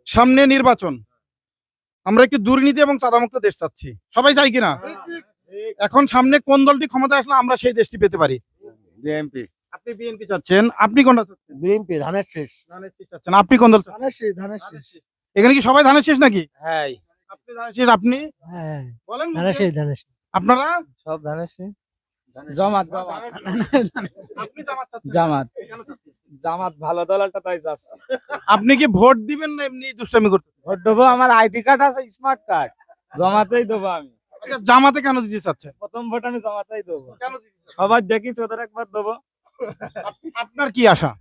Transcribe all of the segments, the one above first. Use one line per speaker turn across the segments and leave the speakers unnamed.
সামনে নির্বাচন, আমরা একটি দুর্নীতি এবং চাঁদামুক্ত দেশ চাচ্ছি, সবাই চাই কিনা? এখন সামনে কোন দলটি ক্ষমতা আসলে আমরা সেই দেশটি পেতে পারি?
বিএনপি।
আপনি বিএনপি চাচ্ছেন, আপনি কোনটা চাচ্ছেন?
বিএনপি ধানের শেষ।
ধানের শীষ চাচ্ছেন, আপনি কোন দল চাচ্ছেন?
ধানের শেষ।
এখানে কি সবাই ধানের শেষ নাকি?
হ্যাঁ।
আপনি ধানের শেষ, আপনি
হ্যাঁ।
বলেন
ধানের শেষ।
আপনারা?
সব ধানের শেষ। জামাত।
আপনি জামাত চাচ্ছেন?
জামাত।
কেন চাচ্ছেন?
জামাত ভালো দলটা তাই যাচ্ছে।
আপনি কি ভোট দিবেন না এমনি দুষ্টামি করতে?
ভোট দেবো, আমার আইডি কার্ড আছে, স্মার্ট কার্ড। জামাতেই দেবো আমি।
আচ্ছা, জামাতে কেন দিতে চাচ্ছেন?
প্রথম ভোট আমি জামাতেই দেবো।
কেন দিতে চাচ্ছেন?
সবার দেখিস ওদের একবার দেবো।
আপনার কি আশা?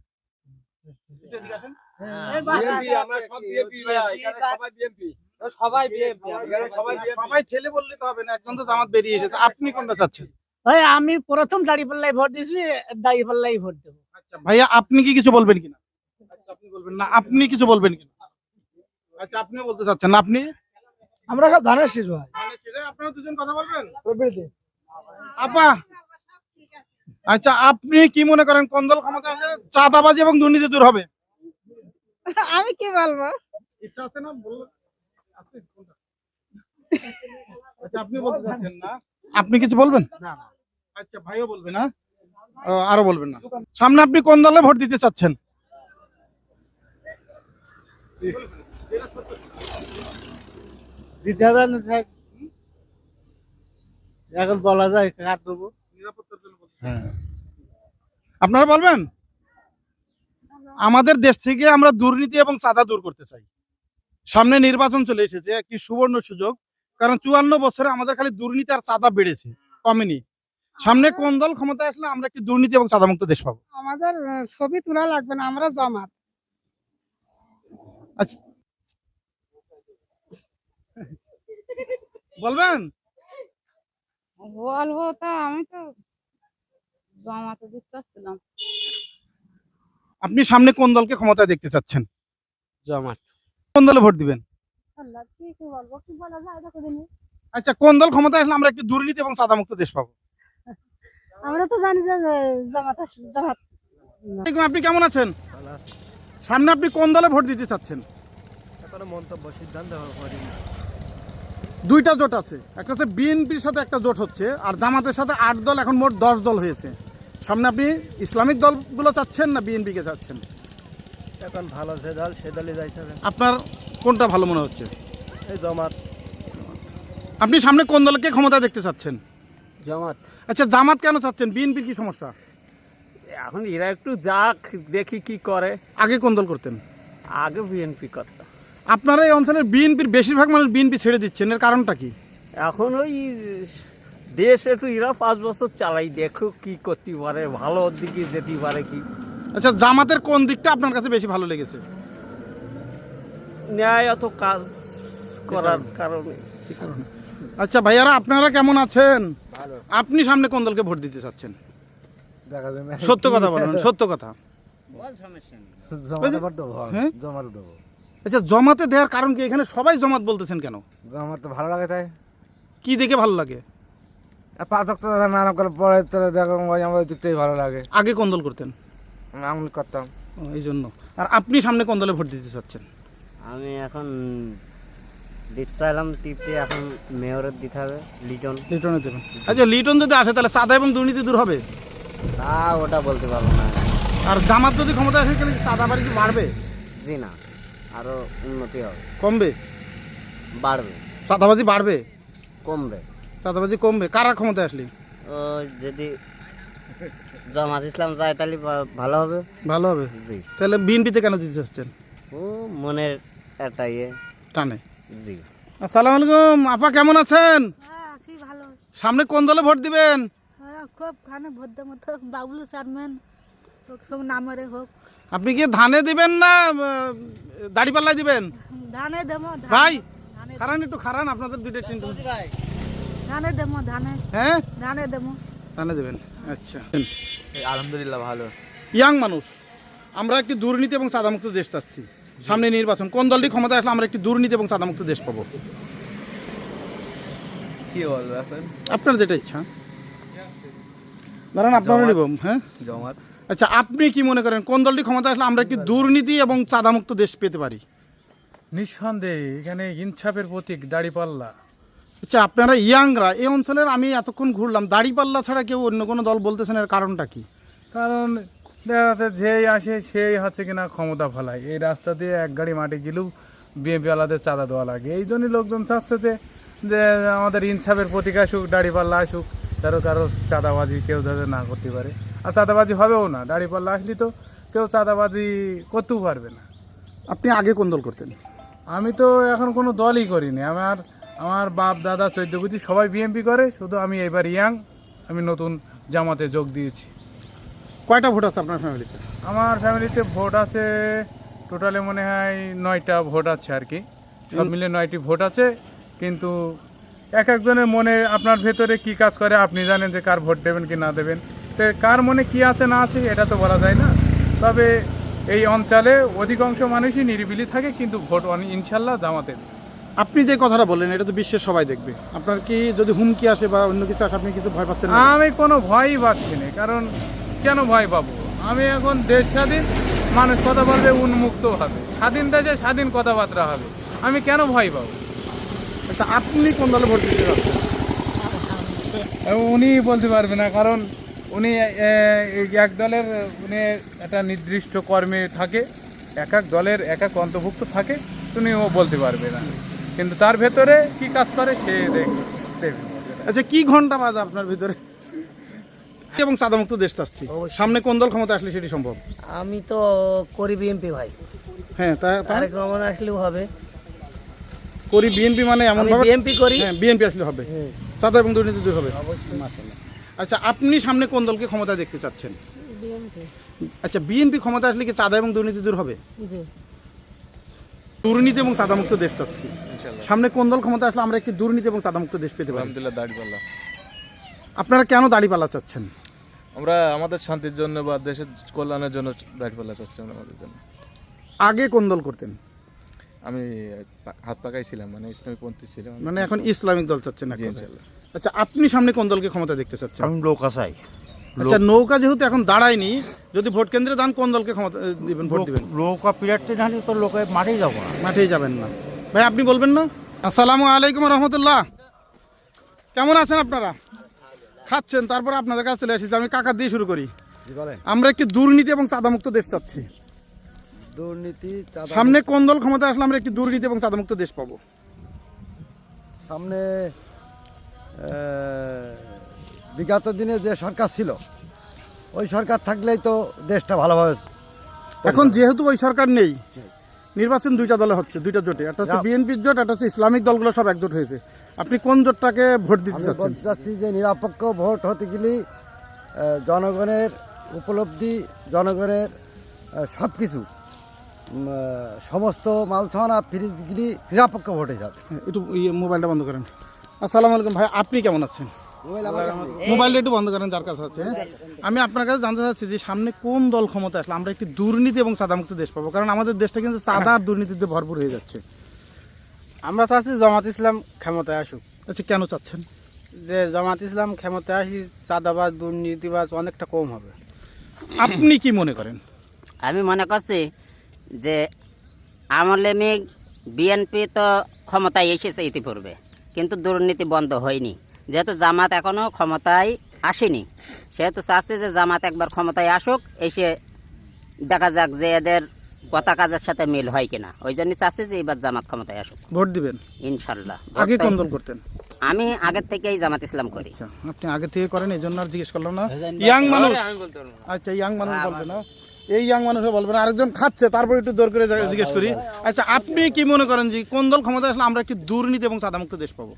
সবাই ঠেলে বললে তো হবে না, একজন তো জামাত বেরিয়ে এসেছে, আপনি কোনটা চাচ্ছেন?
ওই আমি প্রথম দাঁড়িপাল্লায় ভোট দিছি, দাঁড়িপাল্লাই ভোট দেবো।
আচ্ছা ভাইয়া, আপনি কি কিছু বলবেন কিনা? আচ্ছা, আপনি বলবেন না, আপনি কিছু বলবেন কিনা? আচ্ছা, আপনিও বলতে চাচ্ছেন না, আপনি?
আমরা সব ধানের শীষ ভাই।
আপনারা দুজন কথা বলবেন আপা। আচ্ছা, আপনি কি মনে করেন কোন দল ক্ষমতা আসলে চাঁদাবাজি এবং দুর্নীতি দূর হবে?
আমি কি বলবো?
ইচ্ছা আছে না বললেন? আছে কোনটা? আচ্ছা, আপনি বলতে চাচ্ছেন না, আপনি কিছু বলবেন না? আচ্ছা, ভাইও বলবে না, আরো বলবেন না। সামনে আপনি কোন দলে ভোট দিতে চাচ্ছেন?
দিতে হবে না স্যার, এখন বলা যায় কার দেবো।
আপনারা বলবেন? আমাদের দেশ থেকে আমরা দুর্নীতি এবং চাঁদা দূর করতে চাই। সামনে নির্বাচন চলে এসেছে, একটি সুবর্ণ সুযোগ, কারণ 54 বছরে আমাদের খালি দুর্নীতি আর চাঁদা বেড়েছে, কমেনি। সামনে কোন দল ক্ষমতা আসলে আমরা একটি দুর্নীতি এবং চাঁদামুক্ত দেশ পাবো?
আমাদের ছবি তোলা লাগবে না, আমরা জামাত।
আচ্ছা, বলবেন?
বলবো তা আমি তো জমাতে দিতে চাচ্ছিলাম।
আপনি সামনে কোন দলকে ক্ষমতায় দেখতে চাচ্ছেন?
জামাত।
কোন দলে ভোট দিবেন?
আল্লাহ, কি বলবো, কি বলা যায় এটা করে নি।
আচ্ছা, কোন দল ক্ষমতায় আসলে আমরা একটি দুর্নীতি এবং চাঁদামুক্ত দেশ পাবো?
আমরা তো জানি যে জামাত আসবে, জামাত।
আপনি কেমন আছেন? সামনে আপনি কোন দলে ভোট দিতে চাচ্ছেন?
এখনো মন্তব্য সিদ্ধান্ত করিনি।
দুইটা জোট আছে, একটা হচ্ছে বিএনপির সাথে একটা জোট হচ্ছে, আর জামাতের সাথে 8 দল, এখন মোট 10 দল হয়েছে। সামনে আপনি ইসলামিক দলগুলো চাচ্ছেন না বিএনপি কে চাচ্ছেন?
এখন ভালো যে দল সে দলে যাইতে হবে।
আপনার কোনটা ভালো মনে হচ্ছে?
এই জামাত।
আপনি সামনে কোন দলকে ক্ষমতা দেখতে চাচ্ছেন?
জামাত।
আচ্ছা, জামাত কেন চাচ্ছেন? বিএনপির কি সমস্যা?
এখন এরা একটু যাক, দেখি কি করে।
আগে কোন দল করতেন?
আগে বিএনপি করতো।
আপনারা এই অঞ্চলের বিএনপির বেশিরভাগ মানুষ বিএনপি ছেড়ে দিচ্ছেন, এর কারণটা কি?
এখন ওই দেশ একটু এরা 5 বছর চালাই, দেখো কি করতে পারে, ভালো দিকে যেতে পারে কি।
আচ্ছা, জামাতের কোন দিকটা আপনার কাছে বেশি ভালো লেগেছে?
ন্যায় এত কাজ করার কারণে।
কি কারণে? আচ্ছা ভাইয়ারা, আপনারা কেমন আছেন? আপনি সামনে কোন দলকে ভোট দিতে চাচ্ছেন? সত্য কথা বলুন, সত্য কথা। হ্যাঁ? আচ্ছা, জমাতে দেওয়ার কারণ কি? এখানে সবাই জমাত বলতেছেন কেন?
জামাত তো ভালো লাগে, তাই।
কি দেখে ভালো লাগে?
5 ওয়াক্ত নামাজ করে পড়ে তো দেখো আমার দেখতেই ভালো লাগে।
আগে কোন দল করতেন?
আমি করতাম।
এই জন্য। আর আপনি সামনে কোন দলে ভোট দিতে চাচ্ছেন?
আমি এখন দিতে চাইলাম টিপতে, এখন মেয়রের দিতে হবে,
লিটনে দেবেন। আচ্ছা, লিটন যদি আসে তাহলে চাঁদা এবং দুর্নীতি দূর হবে?
তা ওটা বলতে পারবো না।
আর জামাত যদি ক্ষমতা আসে তাহলে চাঁদা বাড়ি কি বাড়বে?
জি না, আরো উন্নতি হবে,
কমবে?
বাড়বে,
চাঁদাবাজি বাড়বে?
কমবে।
চাঁদাবাজি কমবে কারা ক্ষমতায় আসলে?
ও যদি জামাত ইসলাম যায় তাহলে ভালো হবে।
ভালো হবে?
জি।
তাহলে বিএনপিতে কেন দিতে চাচ্ছেন?
ও মনের একটা ইয়ে
টানে।
জি।
আসসালামু আলাইকুম আপা, কেমন আছেন?
হ্যাঁ, আছি ভালো।
সামনে কোন দলে ভোট দিবেন?
খুব খানে ভোট দেবো তো, বাবুল চেয়ারম্যান সব নামরে হোক।
আপনি কি ধানে দিবেন না দাড়িপাল্লায় দিবেন?
ধানে দেবো
ভাই খারান, একটু খারান, আপনাদের দুইটা চিন্তা।
ধানে দেবো, ধানে
হ্যাঁ,
ধানে দেবো।
ধানে দেবেন। আচ্ছা,
আলহামদুলিল্লাহ ভালো।
ইয়াং মানুষ, আমরা একটি দুর্নীতি এবং চাঁদামুক্ত দেশ চাচ্ছি। সামনে নির্বাচন, কোন দলটি ক্ষমতা আসলে আমরা একটি দুর্নীতি এবং চাঁদামুক্ত দেশ পাবো?
কি বলবো এখন?
আপনার যেটা ইচ্ছা। দাঁড়ান, আপনারও নিব। হ্যাঁ,
জামাত।
আচ্ছা, আপনি কি মনে করেন কোন দলটি ক্ষমতা আসলে আমরা একটি দুর্নীতি এবং চাঁদামুক্ত দেশ পেতে পারি?
নিঃসন্দেহে এখানে ইনসাফের প্রতীক দাড়িপাল্লা।
আচ্ছা, আপনারা ইয়াংরা এই অঞ্চলের, আমি এতক্ষণ ঘুরলাম, দাড়িপাল্লা ছাড়া কেউ অন্য কোনো দল বলতেছেন, এর কারণটা কি?
কারণ দেখা যাচ্ছে যেই আসে সেই হচ্ছে কিনা ক্ষমতা ফলায়। এই রাস্তা দিয়ে এক গাড়ি মাটি গেলেও বিএনপি আলাদের চাঁদা দেওয়া লাগে। এই জন্যই লোকজন চাচ্ছে যে আমাদের ইনসাফের প্রতীক আসুক, দাড়িপাল্লা আসুক, কারো চাঁদাবাজি কেউ যাতে না করতে পারে। আর চাঁদাবাজি হবেও না, দাড়িপাল্লা আসলে তো কেউ চাঁদাবাজি করতেও পারবে না।
আপনি আগে কোন দল করতেন?
আমি তো এখন কোনো দলই করিনি। আমার বাপ দাদা 14 গোষ্ঠী সবাই বিএনপি করে, শুধু আমি এবার ইয়াং, আমি নতুন জামাতে যোগ দিয়েছি।
কয়টা ভোট আছে আপনার ফ্যামিলিতে?
আমার ফ্যামিলিতে ভোট আছে টোটালে মনে হয় 9টা ভোট আছে আর কি, সব মিলে 9টি ভোট আছে। কিন্তু এক একজনের মনে আপনার ভেতরে কি কাজ করে আপনি জানেন, যে কার ভোট দেবেন কি না দেবেন। তো কার মনে কি আছে না আছে এটা তো বলা যায় না। তবে এই অঞ্চলে অধিকাংশ মানুষই নিরিবিলি থাকে, কিন্তু ভোট ইনশাল্লাহ জামাতে দেবে।
আপনি যে কথাটা বললেন এটা তো বিশ্বের সবাই দেখবে। আপনার কি যদি হুমকি আসে বা অন্য কিছু আসে আপনি কিছু ভয় পাচ্ছেন না?
আমি কোনো ভয়ই পাচ্ছি না, কারণ কেন ভয় পাবো? আমি এখন দেশ স্বাধীন, মানুষ কথা বলবে উন্মুক্ত হবে, স্বাধীন দেশে স্বাধীন কথাবার্তা হবে, আমি কেন ভয় পাবো?
আচ্ছা, আপনি কোন দলে ভোট দিতে যাচ্ছেন?
উনি বলতে পারবে না, কারণ উনি এক দলের, উনি একটা নির্দিষ্ট কর্মে থাকে, এক এক দলের এক এক অন্তর্ভুক্ত থাকে, উনিও বলতে পারবে না। কিন্তু তার ভেতরে কি কাজ করে সে দেখবে।
আচ্ছা, কি ঘন্টা বাজে আপনার ভিতরে? এবং চাঁদামুক্ত দেশ চাচ্ছি, সামনে কোন দল ক্ষমতা আসলে সেটি সম্ভব?
আমি তো করি বিএনপি ভাই,
হ্যাঁ,
তারেক রহমান আসলেও হবে।
করি বিএনপি, মানে এমন
আমি
ভাবে
বিএনপি করি।
হ্যাঁ, বিএনপি আসলে হবে, চাঁদা এবং দুর্নীতি দূর হবে। আচ্ছা, আপনি সামনে কোন দলকে ক্ষমতা দেখতে চাচ্ছেন?
বিএনপি।
আচ্ছা, বিএনপি ক্ষমতা আসলে কি চাঁদা এবং দুর্নীতি দূর হবে?
জি।
দুর্নীতি এবং চাঁদামুক্ত দেশ চাচ্ছি, সামনে কোন দল ক্ষমতা আসলে আমরা একটি দুর্নীতি এবং চাঁদামুক্ত দেশ পেতে পারি?
আলহামদুলিল্লাহ দাড়িপাল্লা।
আপনারা কেন দাড়িপাল্লা চাচ্ছেন?
আমরা আমাদের শান্তির জন্য বা দেশের কল্যাণের জন্য দাড়িপাল্লা চাচ্ছি আমরা আমাদের জন্য।
আগে কোন দল করতেন?
আমি হাত পাকাই ছিলাম, মানে ইসলামিক পন্থী ছিলাম।
মানে এখন ইসলামিক দল চাচ্ছেন
জি,
এখন?
ইনশাআল্লাহ।
আচ্ছা, আপনি সামনে কোন দলকে ক্ষমতা দেখতে চাচ্ছেন?
আমি নৌকা চাই।
আচ্ছা, নৌকা যেহেতু এখন দাঁড়ায়নি, যদি ভোট কেন্দ্রে দান কোন দলকে ক্ষমতা দিবেন, ভোট দিবেন?
নৌকা পিরাটতে না হলে তো লোকে মাঠেই যাবো না।
মাঠেই যাবেন না? ভাই, আপনি বলবেন না? আসসালামু আলাইকুম রহমতুল্লাহ, কেমন আছেন আপনারা? খাচ্ছেন, তারপর আপনাদের কাছে চলে এসেছি। আমি কাকা দিয়ে শুরু করি। আমরা একটি দুর্নীতি এবং চাঁদামুক্ত দেশ চাচ্ছি,
দুর্নীতি
সামনে কোন দল ক্ষমতা আসলে আমরা একটি দুর্নীতি এবং চাঁদামুক্ত দেশ পাবো?
সামনে বিগত দিনে যে সরকার ছিল ওই সরকার থাকলেই তো দেশটা ভালোভাবে।
এখন যেহেতু ওই সরকার নেই, নির্বাচন দুইটা দলে হচ্ছে, দুইটা জোটে, একটা হচ্ছে বিএনপির জোট, একটা হচ্ছে ইসলামিক দলগুলো সব একজোট হয়েছে। আপনি কোন জোটটাকে ভোট দিতে
আমি
চাচ্ছেন?
বলতে চাচ্ছি যে নিরপেক্ষ ভোট হতে গেলে জনগণের উপলব্ধি, জনগণের সব কিছু সমস্ত মালছানা ফিরে গেলে নিরপেক্ষ ভোটে যাবে।
একটু মোবাইলটা বন্ধ করেন। আসসালামু আলাইকুম ভাই, আপনি কেমন আছেন? মোবাইলটা একটু বন্ধ করেন যার কাছে আছে। আমি আপনার কাছে জানতে চাচ্ছি যে সামনে কোন দল ক্ষমতা আসলে আমরা একটি দুর্নীতি এবং চাঁদামুক্ত দেশ পাবো? কারণ আমাদের দেশটা কিন্তু চাঁদা আর দুর্নীতিতে ভরপুর হয়ে যাচ্ছে।
আমরা চাচ্ছি জামাত ইসলাম ক্ষমতায় আসুক।
আচ্ছা, কেন চাচ্ছেন?
যে জামাত ইসলাম ক্ষমতায় আসি চাঁদাবাজ দুর্নীতিবাজ অনেকটা কম হবে।
আপনি কি মনে করেন?
আমি মনে করছি যে আমলে বিএনপি তো ক্ষমতায় এসেছে ইতিপূর্বে, কিন্তু দুর্নীতি বন্ধ হয়নি। যেহেতু জামাত এখনও ক্ষমতায় আসেনি, সেহেতু চাচ্ছে যে জামাত একবার ক্ষমতায় আসুক, এসে দেখা যাক যে এদের কথা কাজের সাথে মিল হয় কিনা। ওই জন্য চাচ্ছে যে এবার জামাত ক্ষমতায় আসুক,
ভোট দিবেন
ইনশাল্লাহ।
আগে কোন দল করতেন?
আমি আগের থেকেই জামাত ইসলাম করি।
আচ্ছা, আপনি আগে থেকে করেন, এই জন্য আর জিজ্ঞেস করলাম না। ইয়াং মানুষ, আচ্ছা ইয়াং মানুষ বলবে না, এই ইয়াং মানুষও বলবে না, আরেকজন খাচ্ছে, তারপর একটু দৌড় করে জিজ্ঞেস করি। আচ্ছা, আপনি কি মনে করেন যে কোন দল ক্ষমতা আসলে আমরা একটি দুর্নীতি এবং চাঁদামুক্ত দেশ পাবো?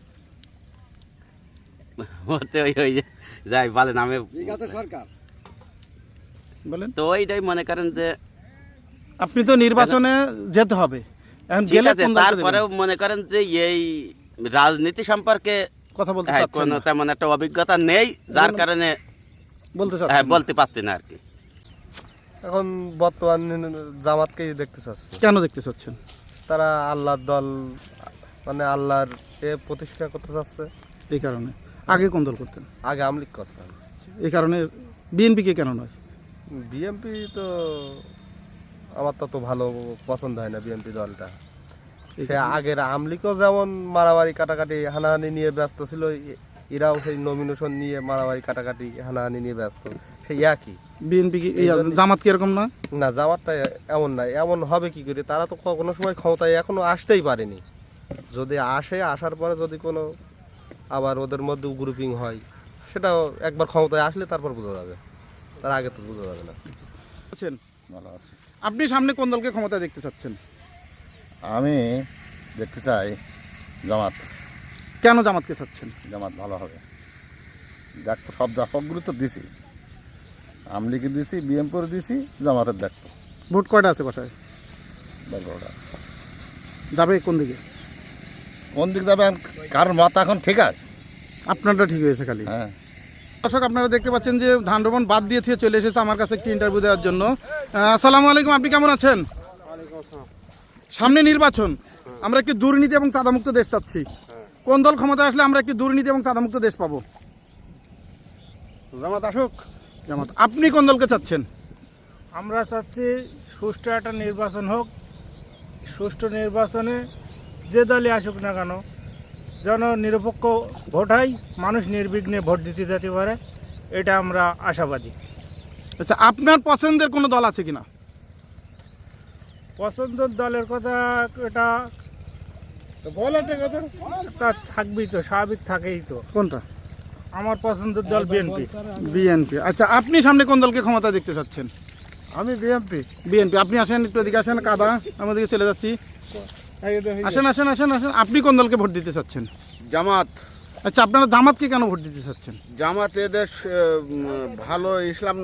যাই বলেন, আমি
বিগত সরকার
বলেন
তো ওইটাই মনে করেন যে
আপনি তো নির্বাচনে যেতে হবে, এখন
ঠিক
গেলে
আছে,
কোন দলকে
তারপরেও
দেবেন?
মনে করেন যে এই রাজনীতি সম্পর্কে
কথা বলতে
হ্যাঁ,
চাচ্ছেন
কোনো
না?
তেমন একটা অভিজ্ঞতা নেই, যার কারণে
বলতে
হ্যাঁ
চাচ্ছেন না?
বলতে পারছি না আর কি।
এখন বর্তমান জামাতকেই দেখতে চাচ্ছে।
কেন দেখতে চাচ্ছেন?
তারা আল্লাহর দল, মানে আল্লাহর প্রতিষ্ঠা করতে চাচ্ছে।
এই কারণে। আগে কোন দল করতেন?
আগে আমলিক করতাম।
এই কারণে। বিএনপি কে কেন নয়?
বিএনপি তো আমার তত ভালো পছন্দ হয় না বিএনপি দলটা। সে আগের আমলিকেও যেমন মারামারি কাটাকাটি হানাহানি নিয়ে ব্যস্ত ছিল, এরাও সেই নমিনেশন নিয়ে মারামারি কাটাকাটি হানাহানি নিয়ে ব্যস্ত, সেই একই।
বিএনপি কি জামাত কি এরকম না?
না, জামাতটা এমন না। এমন হবে কি করে? তারা তো কোনো সময় ক্ষমতায় এখনো আসতেই পারেনি। যদি আসে, আসার পরে যদি কোনো আবার ওদের মধ্যে গ্রুপিং হয়, সেটাও একবার ক্ষমতায় আসলে তারপর বোঝা যাবে, তার আগে তো বোঝা যাবে না।
ভালো আছে। আপনি সামনে কোন দলকে ক্ষমতা দেখতে চাচ্ছেন?
আমি দেখতে চাই জামাত।
কেন জামাতকে চাচ্ছেন?
জামাত ভালো হবে। দেখো সবগুলো তো দিছি, আমলিকে দিছি, বিএমপির দিছি, জামাতের দেখো।
ভোট কয়টা আছে বাসায়?
12টা।
যাবে কোন দিকে?
কোন দিক যাবে কারোর মত এখন ঠিক আছে,
আপনারটা ঠিক হয়েছে খালি।
হ্যাঁ।
দর্শক আপনারা দেখতে পাচ্ছেন যে ধান রোপণ বাদ দিয়েছে, চলে এসেছে আমার কাছে একটি ইন্টারভিউ দেওয়ার জন্য। আসসালামু আলাইকুম, আপনি কেমন আছেন? সামনে নির্বাচন, আমরা একটি দুর্নীতি এবং চাঁদামুক্ত দেশ চাচ্ছি। কোন দল ক্ষমতায় আসলে আমরা একটি দুর্নীতি এবং চাঁদামুক্ত দেশ পাবো?
জামাত আসুক।
জামাত। আপনি কোন দলকে চাচ্ছেন?
আমরা চাচ্ছি সুষ্ঠু একটা নির্বাচন হোক, সুষ্ঠু নির্বাচনে যে দলই আসুক না কেন যেন নিরপেক্ষ ভোট হয়, মানুষ নির্বিঘ্নে ভোট দিতে যেতে পারে, এটা আমরা আশাবাদী।
আচ্ছা, আপনার পছন্দের কোনো দল আছে কিনা?
পছন্দের দলের কথা এটা তা থাকবেই তো, স্বাভাবিক থাকেই তো।
কোনটা?
আমার পছন্দের দল বিএনপি।
বিএনপি। আচ্ছা, আপনি সামনে কোন দলকে ক্ষমতা দেখতে চাচ্ছেন?
আমি বিএনপি।
বিএনপি। আপনি আসেন, একটু এদিকে আসেন, কাদা আমাদেরকে চলে যাচ্ছি। আসেন আসেন আসেন আসেন। আপনি কোন দলকে ভোট দিতে চাচ্ছেন?
জামাত।
আচ্ছা, আপনারা জামাতকে কেন ভোট দিতে চাচ্ছেন?
জামাত এদেশ ভালো ইসলাম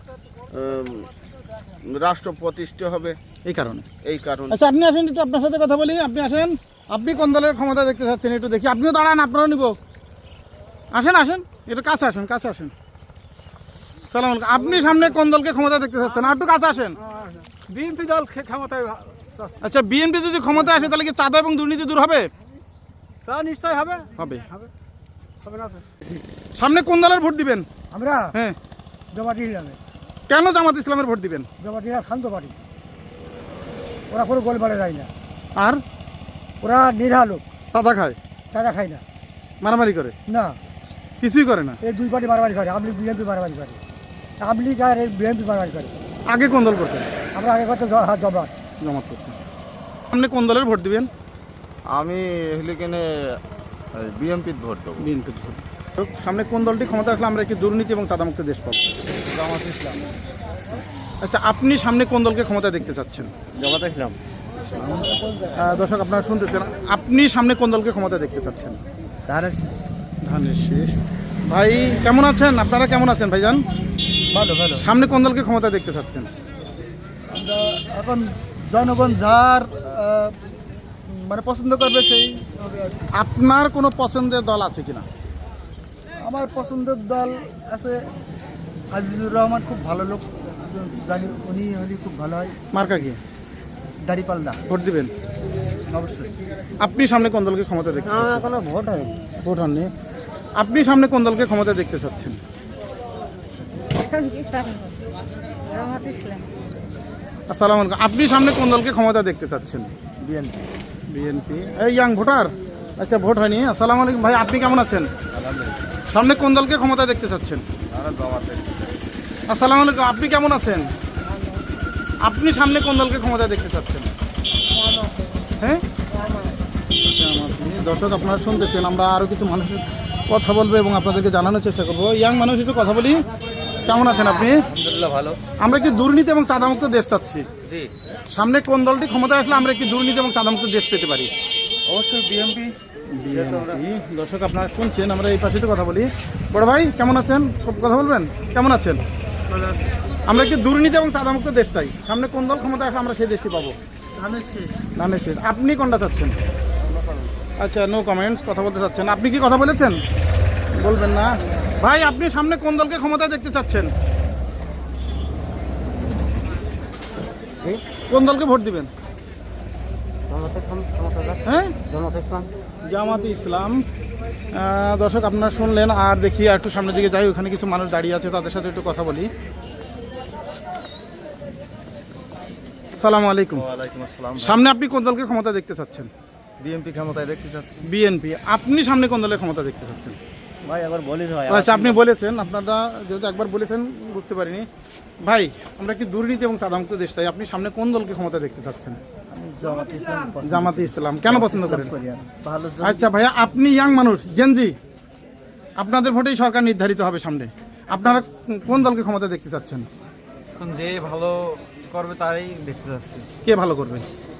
রাষ্ট্র প্রতিষ্ঠা হবে,
এই কারণে।
এই কারণে।
আচ্ছা, আপনি আসেন, একটু আপনার সাথে কথা বলি। আপনি আসেন, আপনি কোন দলের ক্ষমতা দেখতে চাচ্ছেন একটু দেখি। আপনিও দাঁড়ান, আপনারও নিব। আসেন আসেন, একটু কাছে আসেন, কাছে আসেন। সালাম আলাইকুম। আপনি সামনে কোন দলকে ক্ষমতা দেখতে চাচ্ছেন? আর একটু কাছে আসেন।
বিএনপি দল ক্ষমতায়।
আচ্ছা, বিএনপি যদি ক্ষমতা আসে তাহলে কি চাঁদা এবং দুর্নীতি দূর হবে?
তা নিশ্চয় হবে।
হবে।
হবে না?
সামনে কোন দলের ভোট দিবেন?
আমরা
হ্যাঁ,
জামাত ইসলামে।
কেন জামাত ইসলামের ভোট দিবেন?
জামাত ইসলাম শান্ত পার্টি, ওরা কোনো গোলমালে যায় না,
আর
ওরা নিরীহ লোক,
চাঁদা খায়,
চাঁদা খায় না,
মারামারি করে
না
কিছুই করে না।
এই দুই পার্টি মারামারি করে, আমলি বিএনপি মারামারি করে, আমলি আর বিএনপি মারামারি করে।
আগে কোন দল করতেন?
আমরা আগে কত জমাত
জমাত করতেন। সামনে কোন দলের ভোট দিবেন?
আমি হেলিকেনে বিএমপির ভোট দেবো।
বিএনপির ভোট। সামনে কোন দলটি ক্ষমতা আসলে আমরা একটি দুর্নীতি এবং চাঁদামুক্ত দেশ পাবো?
জামাত ইসলাম।
আচ্ছা, আপনি সামনে কোন দলকে ক্ষমতা দেখতে চাচ্ছেন?
জামাত ইসলাম।
দর্শক আপনারা শুনতেছেন, আপনি সামনে কোন দলকে ক্ষমতা দেখতে চাচ্ছেন? ধানের শীষ। ভাই কেমন আছেন? আপনারা কেমন আছেন ভাইজান?
ভালো ভালো।
সামনে কোন দলকে ক্ষমতা দেখতে চাচ্ছেন?
আমরা এখন জনগণ যার মানে পছন্দ করবে সেই।
আপনার কোনো পছন্দের দল আছে কিনা?
আমার পছন্দের দল আছে আজিজুর রহমান, খুব ভালো লোক, জানি উনি হলে খুব ভালো হয়।
মার্কা কি?
দাড়িপাল্লা।
ভোট দিবেন?
অবশ্যই।
আপনি সামনে কোন দলকে ক্ষমতা দেখতে চাচ্ছেন?
এখনো ভোট হয়।
ভোট হননি। আপনি সামনে কোন দলকে ক্ষমতা দেখতে চাচ্ছেন?
জামাত ইসলাম।
আসসালামু আলাইকুম। আপনি সামনে কোন দলকে ক্ষমতা দেখতে চাচ্ছেন?
বিএনপি।
বিএনপি। এই ইয়াং ভোটার। আচ্ছা, ভোট হয়নি। আসসালামু আলাইকুম ভাই, আপনি কেমন আছেন? সামনে কোন দলকে ক্ষমতা দেখতে চাচ্ছেন? আসসালামু আলাইকুম। আপনি কেমন আছেন? আপনি সামনে কোন দলকে ক্ষমতা দেখতে চাচ্ছেন? হ্যাঁ, দর্শক আপনারা শুনতেছেন, আমরা আরো কিছু মানুষের কথা বলবো এবং আপনাদেরকে জানানোর চেষ্টা করবো। ইয়াং মানুষ একটু কথা বলি। কেমন আছেন আপনি?
আলহামদুলিল্লাহ ভালো।
আমরা কি দুর্নীতি এবং চাঁদামুক্ত দেশ চাচ্ছি।
জি।
সামনে কোন দলটি ক্ষমতা আসলে আমরা একটি দুর্নীতি এবং চাঁদামুক্ত দেশ পেতে পারি?
অবশ্যই বিএনপি।
দর্শক আপনারা শুনছেন, আমরা এই পাশে কথা বলি। বড় ভাই কেমন আছেন? খুব কথা বলবেন। কেমন আছেন? আমরা একটি দুর্নীতি এবং চাঁদামুক্ত দেশ চাই। সামনে কোন দল ক্ষমতা আসলে আমরা সেই দেশটি পাবো? ধানের শীষ। আপনি কোনটা চাচ্ছেন? আচ্ছা, নো কমেন্টস, কথা বলতে চাচ্ছেন। আপনি কি কথা বলেছেন? বলবেন না ভাই। আপনি সামনে কোন দলকে ক্ষমতা দেখতে চাচ্ছেন? কোন দলকে ভোট দিবেন? হ্যাঁ, জামাত ইসলাম। দর্শক আপনারা শুনলেন, আর দেখি আর একটু সামনের দিকে যাই, ওখানে কিছু মানুষ দাঁড়িয়ে আছে, তাদের সাথে একটু কথা বলি। আসসালামু আলাইকুম।
ওয়ালাইকুম আসসালাম।
সামনে আপনি কোন দলকে ক্ষমতা দেখতে চাচ্ছেন?
বিএনপি ক্ষমতায় দেখতে চাচ্ছি।
বিএনপি। আপনি সামনে কোন দলের ক্ষমতা দেখতে চাচ্ছেন?
ভাই আবার বলি ভাই
আচ্ছা, আপনি বলেছেন, আপনারা যেহেতু একবার বলেছেন বুঝতে পারিনি। ভাই, আমরা কি দুর্নীতি এবং সাদামুক্ত দেশ চাই, আপনি সামনে কোন দলকে ক্ষমতা দেখতে চাচ্ছেন? জামাতে ইসলাম। কেন পছন্দ করেন? আচ্ছা ভাইয়া, আপনি ইয়াং মানুষ, জেনজি, আপনাদের ভোটেই সরকার নির্ধারিত হবে সামনে, আপনারা কোন দলকে ক্ষমতা দেখতে চাচ্ছেন?
যে ভালো করবে তারাই দেখতে চাচ্ছি।
কে ভালো করবে?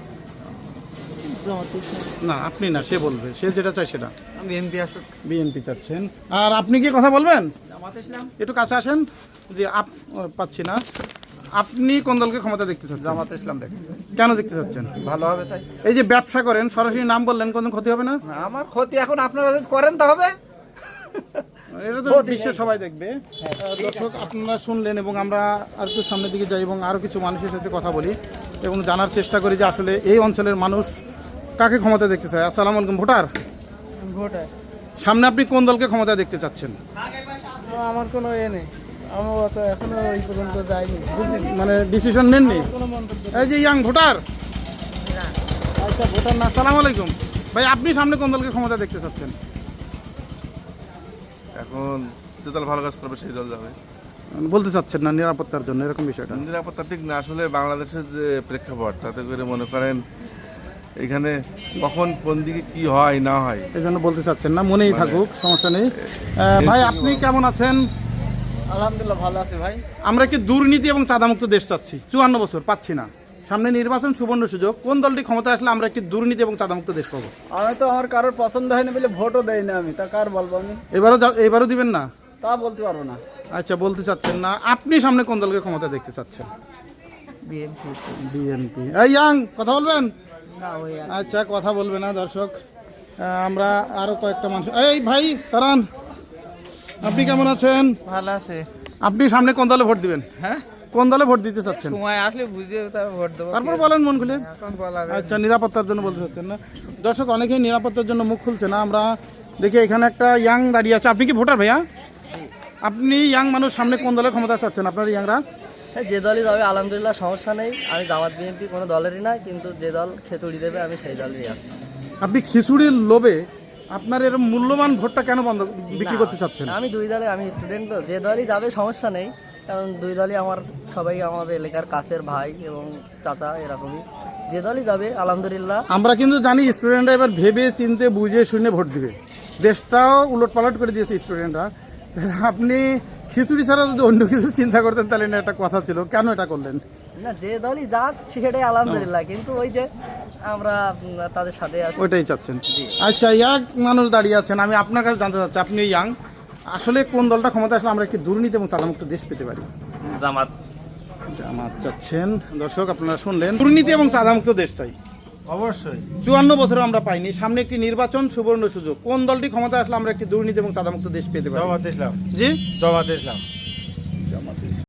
না, আপনি না, সে বলবে, সে যেটা চায় সেটা।
বিএনপি আসুক।
বিএনপি চাচ্ছেন। আর আপনি কি কথা বলবেন? একটু কাছে আসেন। যে পাচ্ছি না। আপনি কোন দলকে ক্ষমতা দেখতে চাচ্ছেন?
জামাতে ইসলাম দেখতে
কেন দেখতে চাচ্ছেন?
ভালো হবে তাই।
এই যে ব্যবসা করেন, সরাসরি নাম বললেন, কোনো ক্ষতি হবে না?
আমার ক্ষতি এখন আপনারা যদি করেন তা হবে।
এটা তো বিশ্বের সবাই দেখবে। দর্শক, আপনারা শুনলেন এবং আমরা আর একটু সামনের দিকে যাই এবং আরও কিছু মানুষের সাথে কথা বলি এবং জানার চেষ্টা করি যে আসলে এই অঞ্চলের মানুষ কাকে ক্ষমতা দেখতে চায়। আসসালামু আলাইকুম। ভোটার সামনে আপনি কোন দলকে ক্ষমতা দেখতে চাচ্ছেন?
আমার কোনো নেই, আমি তো এখনো ওই পর্যন্ত যাইনি, বুঝিনি,
মানে ডিসিশন নেননি? এই যে ইয়াং ভোটার। আচ্ছা, ভোটার না। আসসালামু আলাইকুম ভাই, আপনি সামনে কোন দলকে ক্ষমতা দেখতে চাচ্ছেন?
এখন যে দল ভালো কাজ করবে সেই দল যাবে।
বলতে চাচ্ছেন না নিরাপত্তার জন্য, এরকম বিষয়টা?
নিরাপত্তা ঠিক না, আসলে বাংলাদেশের যে প্রেক্ষাপট তাতে করে মনে করেন এখানে কখন কোন দিকে কি হয় না হয়
এই জন্য বলতে চাচ্ছেন না, মনেই থাকুক, সমস্যা নেই। ভাই, আপনি কেমন আছেন?
আলহামদুলিল্লাহ ভালো আছি ভাই।
আমরা কি দুর্নীতি এবং চাঁদামুক্ত দেশ চাচ্ছি, 54 বছর পাচ্ছি না, সামনে নির্বাচন, সুবর্ণ সুযোগ, কোন দলটি ক্ষমতা আসলে আমরা একটি দুর্নীতি এবং চাঁদামুক্ত দেশ পাবো?
আমি তো আমার কারোর পছন্দ হয়নি বলে ভোটও দেই না, আমি তা কার বলবো আমি?
এবারও দিবেন না?
তা বলতে পারবো না।
আচ্ছা, বলতে চাচ্ছেন না। আপনি সামনে কোন দলকে ক্ষমতা দেখতে চাচ্ছেন? বিএনপি। এই ইয়াং, কথা বলবেন? আচ্ছা, কথা বলবে না। দর্শক, আমরা আরো কয়েকটা মানুষ। এই ভাই তারান, আপনি কেমন আছেন?
ভালো আছে।
আপনি সামনে কোন দলে ভোট দিবেন?
হ্যাঁ,
কোন দলে ভোট দিতে চাচ্ছেন?
সময় আসলে বুঝে তারপর ভোট দেবো।
তারপর বলেন মন খুলে।
এখন বলা
আচ্ছা, নিরাপত্তার জন্য বলতে চাচ্ছেন না? দর্শক, অনেকেই নিরাপত্তার জন্য মুখ খুলছে না। আমরা দেখি এখানে একটা ইয়াং দাঁড়িয়ে আছে। আপনি কি ভোটার ভাইয়া? আপনি ইয়াং মানুষ, সামনে কোন দলের ক্ষমতা চাচ্ছেন আপনার ইয়াংরা?
যে দলই যাবে আলহামদুলিল্লাহ, সমস্যা নেই। আমি জামাত বিএনপি কোনো দলেরই না, কিন্তু যে দল খিচুড়ি দেবে আমি সেই দলেরই আছি।
আপনি খিচুড়ির লোভে আপনার এর মূল্যবান ভোটটা কেন বন্ধ বিক্রি করতে চাচ্ছেন?
আমি দুই দলে, আমি স্টুডেন্ট, তো যে দলই যাবে সমস্যা নেই, কারণ দুই দলই আমার, সবাই আমার এলাকার কাছের ভাই এবং চাচা, এরকমই। যে দলই যাবে আলহামদুলিল্লাহ।
আমরা কিন্তু জানি স্টুডেন্টরা এবার ভেবে চিনতে বুঝে শুনে ভোট দিবে, দেশটাও উলট পালট করে দিয়েছে স্টুডেন্টরা। আপনি খিচুড়ি ছাড়া যদি অন্য কিছু চিন্তা করতেন তাহলে না, একটা কথা ছিল, কেন এটা করলেন?
না, যে দলই যাক সেটাই আলহামদুলিল্লাহ, কিন্তু ওই যে আমরা তাদের সাথে আছি,
ওইটাই চাচ্ছেন। আচ্ছা, ইয়াং মানুষ দাঁড়িয়ে আছেন, আমি আপনার কাছে জানতে চাচ্ছি, আপনি ইয়াং, আসলে কোন দলটা ক্ষমতা আসলে আমরা একটি দুর্নীতি এবং চাঁদামুক্ত দেশ পেতে পারি?
জামাত।
জামাত চাচ্ছেন। দর্শক, আপনারা শুনলেন, দুর্নীতি এবং চাঁদামুক্ত দেশ চাই
অবশ্যই।
54 বছরে আমরা পাইনি, সামনে একটি নির্বাচন, সুবর্ণ সুযোগ, কোন দলটি ক্ষমতা আসলে আমরা একটি দুর্নীতি এবং চাঁদামুক্ত দেশ পেতে পারি?
জামাতে ইসলাম।
জি,
জামাতে ইসলাম।